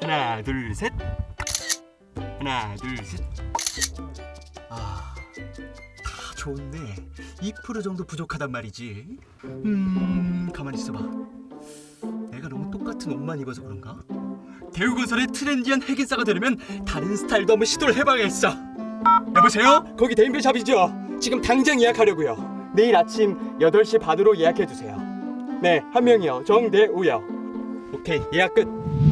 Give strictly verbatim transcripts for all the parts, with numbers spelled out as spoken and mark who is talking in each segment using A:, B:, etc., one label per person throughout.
A: 하나 둘 셋. 하나 둘 셋. 아, 다 좋은데 이 퍼센트 정도 부족하단 말이지. 음, 가만히 있어봐. 내가 너무 똑같은 옷만 입어서 그런가? 대우건설의 트렌디한 핵인싸가 되려면 다른 스타일도 한번 시도를 해봐야겠어. 여보세요? 거기 데인베샵이죠? 지금 당장 예약하려고요. 내일 아침 여덟 시 반으로 예약해주세요. 네, 한 명이요. 정대우요. 오케이, 예약 끝.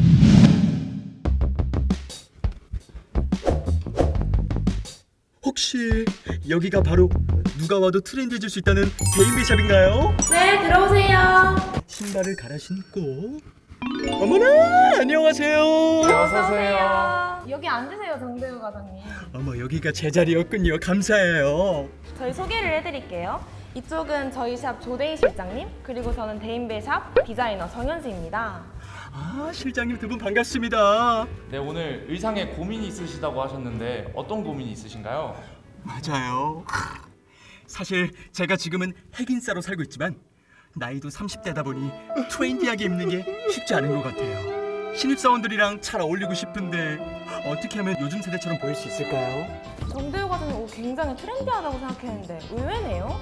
A: 혹시 여기가 바로 누가 와도 트렌디해질 수 있다는 데인베샵인가요?
B: 네, 들어오세요.
A: 신발을 갈아 신고. 어머나, 안녕하세요.
B: 어서 오세요. 여기 앉으세요, 정대우 과장님.
A: 어머, 여기가 제 자리였군요. 감사해요.
B: 저희 소개를 해드릴게요. 이쪽은 저희 샵 조대희 실장님, 그리고 저는 데인베샵 디자이너 정현수입니다.
A: 아, 실장님 두 분 반갑습니다.
C: 네, 오늘 의상에 고민이 있으시다고 하셨는데 어떤 고민이 있으신가요?
A: 맞아요. 사실 제가 지금은 핵인싸로 살고 있지만 나이도 삼십 대다 보니 트렌디하게 입는 게 쉽지 않은 것 같아요. 신입사원들이랑 잘 어울리고 싶은데 어떻게 하면 요즘 세대처럼 보일 수 있을까요?
B: 정대우 과장님 옷 굉장히 트렌디하다고 생각했는데 의외네요?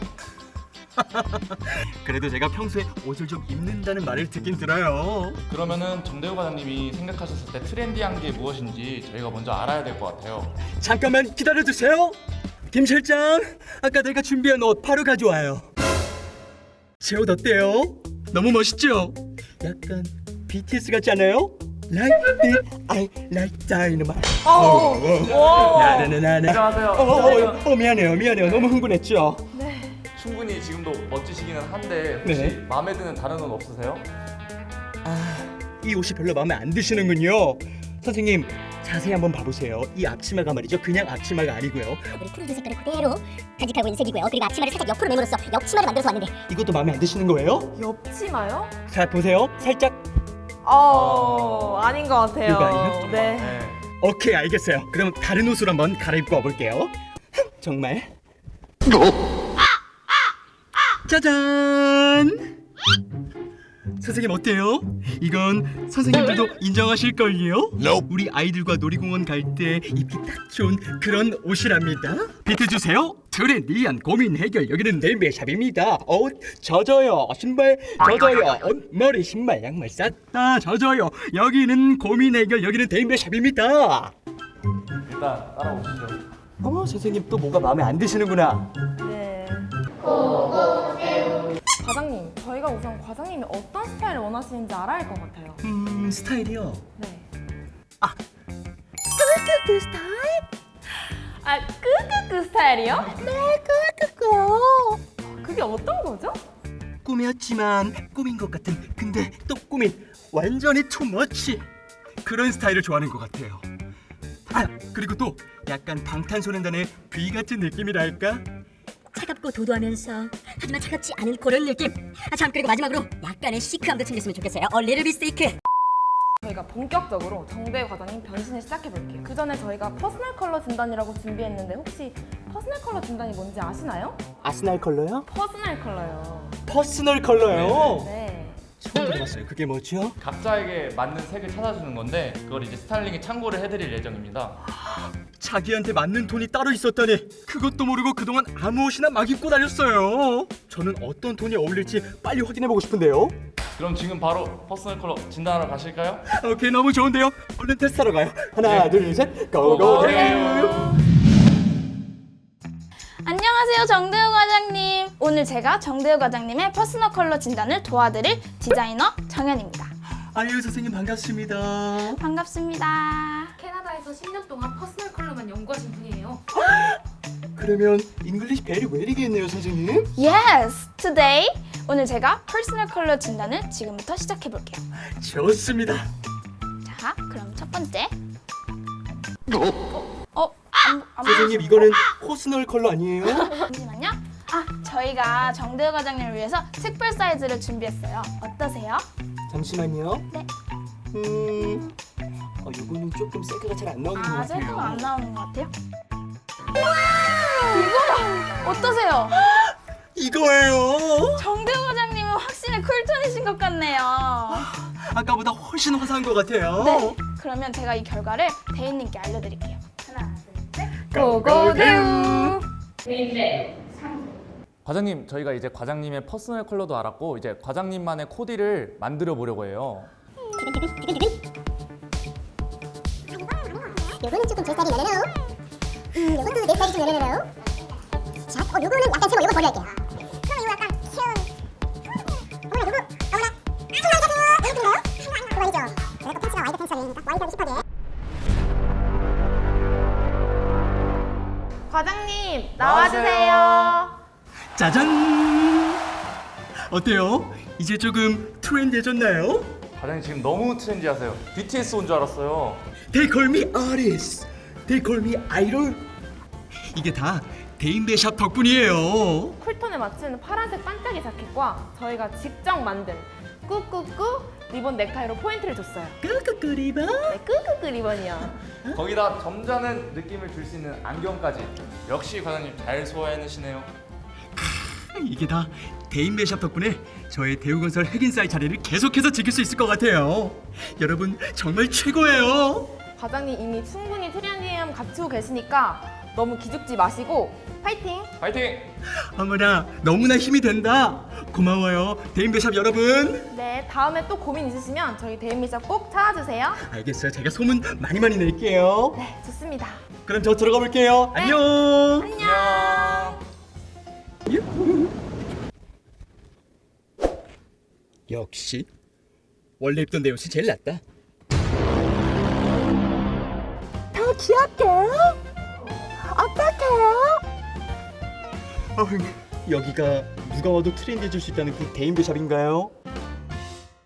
A: 그래도 제가 평소에 옷을 좀 입는다는 말을 듣긴 들어요.
C: 그러면은 정대우 과장님이 생각하셨을 때 트렌디한 게 무엇인지 저희가 먼저 알아야 될 것 같아요.
A: 잠깐만 기다려주세요. 김 실장, 아까 내가 준비한 옷 바로 가져와요. 제 옷 어때요? 너무 멋있죠? 약간 비티에스 같지 않아요? Like it, I like dynamite.
B: 어, 오.
A: 나나나나.
C: 안녕하세요.
A: 어, 어, 어, 어, 미안해요, 미안해요. 너무 흥분했죠?
B: 네.
C: 충분히 지금도 멋지시기는 한데 혹시
A: 네.
C: 마음에 드는 다른 옷 없으세요?
A: 아, 이 옷이 별로 마음에 안 드시는군요. 선생님, 자세히 한번 봐보세요. 이 앞치마가 말이죠, 그냥 앞치마가 아니고요.
D: 우리 푸른색 색깔을 그대로 간직하고 있는 색이고요. 그리고 앞치마를 살짝 옆으로 내므로써 옆치마를 만들어서 왔는데
A: 이것도 마음에 안 드시는 거예요?
B: 옆치마요?
A: 자, 보세요. 살짝.
B: 어, 아닌 것 같아요.
A: 이거 아니에요?
B: 네.
C: 네.
A: 오케이, 알겠어요. 그럼 다른 옷으로 한번 갈아입고 와볼게요. 정말. 짜잔! 선생님 어때요? 이건 선생님들도 인정하실걸요? 우리 아이들과 놀이공원 갈 때 입기 딱 좋은 그런 옷이랍니다. 비트 주세요. 트렌디한 고민 해결. 여기는 데인베샵입니다. 옷 젖어요. 신발 젖어요. 옷, 머리, 신발, 양말 싹 다 젖어요. 여기는 고민 해결. 여기는 데인베샵입니다.
C: 일단 따라오시죠.
A: 어머, 선생님 또 뭐가 마음에 안 드시는구나.
B: 네. 과장님, 저희가 우선 과장님이 어떤 스타일을 원하시는지 알아야 할 것 같아요.
A: 음, 스타일이요.
B: 네.
A: 아,
B: 끄끄끄 스타일? 아, 끄끄끄 스타일이요? 네, 끄끄끄요. 그게 어떤 거죠?
A: 꾸몄지만 꾸민 것 같은, 근데 또 꾸민 완전히 투머치 그런 스타일을 좋아하는 것 같아요. 아, 그리고 또 약간 방탄소년단의 비 같은 느낌이랄까?
D: 차갑고 도도하면서 하지만 차갑지 않은 그런 느낌. 아, 참, 그리고 마지막으로 약간의 시크함도 챙겼으면 좋겠어요. A little bit sick.
B: 저희가 본격적으로 정대우 과장님 변신을 시작해볼게요. 그 전에 저희가 퍼스널 컬러 진단이라고 준비했는데 혹시 퍼스널 컬러 진단이 뭔지 아시나요?
A: 아스날 컬러요?
B: 퍼스널 컬러요.
A: 퍼스널 컬러요?
B: 네.
A: 처음 들어봤어요. 그게 뭐죠?
C: 각자에게 맞는 색을 찾아주는 건데 그걸 이제 스타일링에 참고를 해드릴 예정입니다.
A: 자기한테 맞는 톤이 따로 있었다니. 그것도 모르고 그동안 아무 옷이나 막 입고 다녔어요. 저는 어떤 톤이 어울릴지 빨리 확인해보고 싶은데요.
C: 그럼 지금 바로 퍼스널 컬러 진단하러 가실까요?
A: 오케이, 너무 좋은데요. 얼른 테스트하러 가요. 하나,
C: 네.
A: 둘, 셋, 고고.
E: 안녕하세요, 정대우 과장님. 오늘 제가 정대우 과장님의 퍼스널 컬러 진단을 도와드릴 디자이너 정현입니다.
A: 아유, 선생님 반갑습니다.
E: 반갑습니다.
F: 캐나다에서 십 년 동안 퍼스널 컬러만 연구하신 분이에요.
A: 그러면 잉글리시 베리 웨리겠네요, 선생님.
E: Yes, today. 오늘 제가 퍼스널 컬러 진단을 지금부터 시작해 볼게요.
A: 좋습니다.
E: 자, 그럼 첫 번째. 어, 안, 안
A: 선생님, 이거는 퍼스널 컬러 아니에요?
E: 잠시만요. 아, 저희가 정대우 과장님을 위해서 특별 사이즈를 준비했어요. 어떠세요?
A: 잠시만요.
E: 네.
A: 음, 어, 이거는 조금 색깔가 잘 안 나오는 것
E: 아,
A: 같아요.
E: 색깔 안 나오는 것 같아요. 와, 이거 어떠세요?
A: 이거예요.
E: 정대우 과장님은 확실히 쿨톤이신 것 같네요.
A: 아까보다 훨씬 화사한 것 같아요.
E: 네, 그러면 제가 이 결과를 대인님께 알려드릴게요. 하나, 둘, 셋.
B: 고고대우.
C: 과장님, 저희가 이제 과장님의 퍼스널 컬러도 알았고 이제 과장님만의 코디를 만들어 보려고 해요.
G: 요거는 조금 제 스타일이 나네요. 음, 요것도 내 스타일이 좀 나네요. 자, 어, 요거는 약간 새거 요거 버릴게요. 그럼 이거 약간 귀여운. 어머나, 요거, 어머나. 청바지 이거 그거 아니죠? 내가 또 팬츠가 와이드 팬츠니까 와이드하고 힙하게.
B: 과장님 나와주세요.
A: 짜잔. 어때요? 이제 조금 트렌디해졌나요?
C: 과장님 지금 너무 트렌디하세요. 비티에스 온 줄 알았어요.
A: They call me artist. They call me idol. 이게 다 대인배샵 덕분이에요.
B: 쿨톤에 맞춘 파란색 반짝이 자켓과 저희가 직접 만든 꾸꾸꾸 리본 넥타이로 포인트를 줬어요.
A: 끄끄끄 리본.
B: 네, 꾸꾸꾸 리본이요.
C: 거기다 점잖은 느낌을 줄 수 있는 안경까지. 역시 과장님 잘 소화해내시네요.
A: 이게 다 대인배샵 덕분에 저의 대우건설 핵인싸의 자리를 계속해서 지킬 수 있을 것 같아요. 여러분 정말 최고예요.
B: 과장님 이미 충분히 트렌디함 갖추고 계시니까 너무 기죽지 마시고 파이팅!
C: 파이팅!
A: 어머나 너무나 힘이 된다. 고마워요 대인배샵 여러분.
B: 네, 다음에 또 고민 있으시면 저희 대인미샵 꼭 찾아주세요.
A: 알겠어요. 제가 소문 많이 많이 낼게요.
B: 네, 좋습니다.
A: 그럼 저 들어가 볼게요.
B: 네.
A: 안녕.
B: 안녕!
A: 유후. 역시 원래 입던 내 옷이 제일 낫다.
G: 더 귀엽게. 어떡해요?
A: 어흥, 여기가 누가 와도 트렌디해질 수 있다는 그 대인배샵인가요?